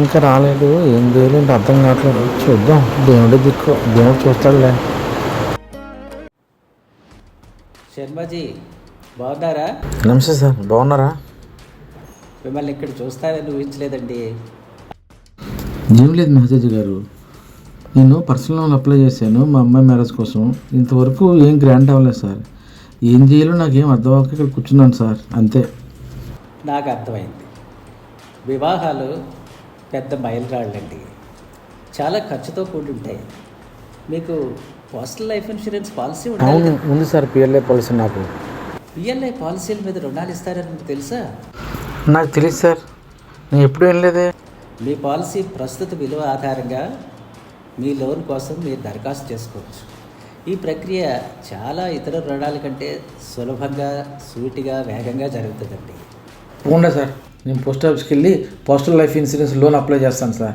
ఇంకా రాలేదు, ఏం చేయలేదు అర్థం కావట్లేదు. చూద్దాం, దేవుడి దిక్కు, దేవుడు చూస్తాడులే. శర్మజీ బాగున్నారా? నమస్తే సార్, బాగున్నారా? మిమ్మల్ని ఇక్కడ చూస్తారని ఊహించలేదండి. ఏం లేదు మెహజాజీ గారు, నేను పర్సనల్ లోన్ అప్లై చేశాను మా అమ్మాయి మ్యారేజ్ కోసం. ఇంతవరకు ఏం గ్రాంట్ అవ్వలేదు సార్. ఏం చేయాలో నాకేం అర్థం అవ్వక ఇక్కడ కూర్చున్నాను సార్, అంతే. నాకు అర్థమైంది. వివాహాలు పెద్ద మైలురాళ్ళండి, చాలా ఖర్చుతో కూడి ఉంటాయి. మీకు పర్సనల్ లైఫ్ ఇన్సూరెన్స్ పాలసీ అవును ఉంది సార్, పిఎల్ఐ పాలసీ. నాకు పిఎల్ఐ పాలసీల మీద రుణాలు ఇస్తారని మీకు తెలుసా? నాకు తెలియదు సార్, నేను ఎప్పుడు వెళ్ళలేదే. మీ పాలసీ ప్రస్తుత విలువ ఆధారంగా మీ లోన్ కోసం మీరు దరఖాస్తు చేసుకోవచ్చు. ఈ ప్రక్రియ చాలా ఇతర రుణాల కంటే సులభంగా, సూటిగా, వేగంగా జరుగుతుందండి. తప్పకుండా సార్, నేను పోస్ట్ ఆఫీస్కి వెళ్ళి postal life insurance loan apply చేస్తాను సార్.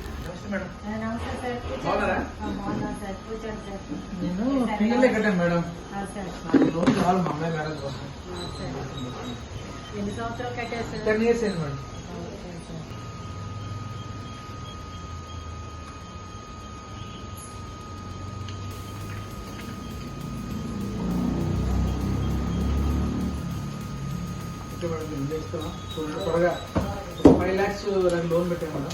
నేను పిఎల్ఐ కట్టాను మేడం. లోన్ కావాలి మా అమ్మాయి మ్యారేజ్ కోసం. ఎన్ని సంవత్సరాలు కట్టారు? 10 years అయింది మేడం. త్వరగా 5 lakhs లోన్ పెట్టాను మేడం.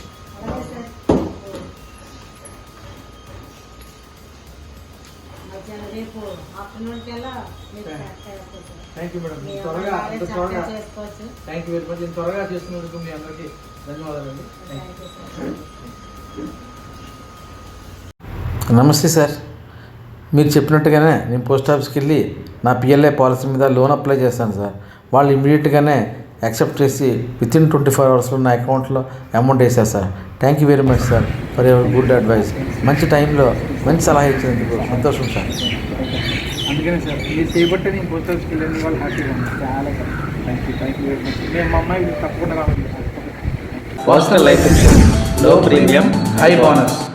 రేపు ఆఫ్టర్నూన్ కల్లా థ్యాంక్ యూ మేడం. త్వరగా థ్యాంక్ యూ వెరీ మచ్. నేను త్వరగా చేస్తున్నందుకు మీ అందరికీ ధన్యవాదాలండి. నమస్తే సార్, మీరు చెప్పినట్టుగానే నేను పోస్ట్ ఆఫీస్కి వెళ్ళి నా పిఎల్ఐ పాలసీ మీద లోన్ అప్లై చేస్తాను సార్. వాళ్ళు ఇమీడియట్గానే యాక్సెప్ట్ చేసి వితిన్ 24 hours నా అకౌంట్లో అమౌంట్ వేసారు sir. Thank you very much sir for your good advice. మంచి టైంలో మంచి సలహా ఇచ్చినందుకు సంతోషం సార్. అందుకనే సార్ మీరు చేయబట్టే నేను పోస్ట్ ఆఫీస్కి వెళ్ళిన వాళ్ళు హ్యాపీగా ఉంది. చాలా థ్యాంక్ యూ వెరీ మచ్. మేము మా అమ్మాయి తప్పకుండా రావాలి. Personal life insurance, low premium, high bonus.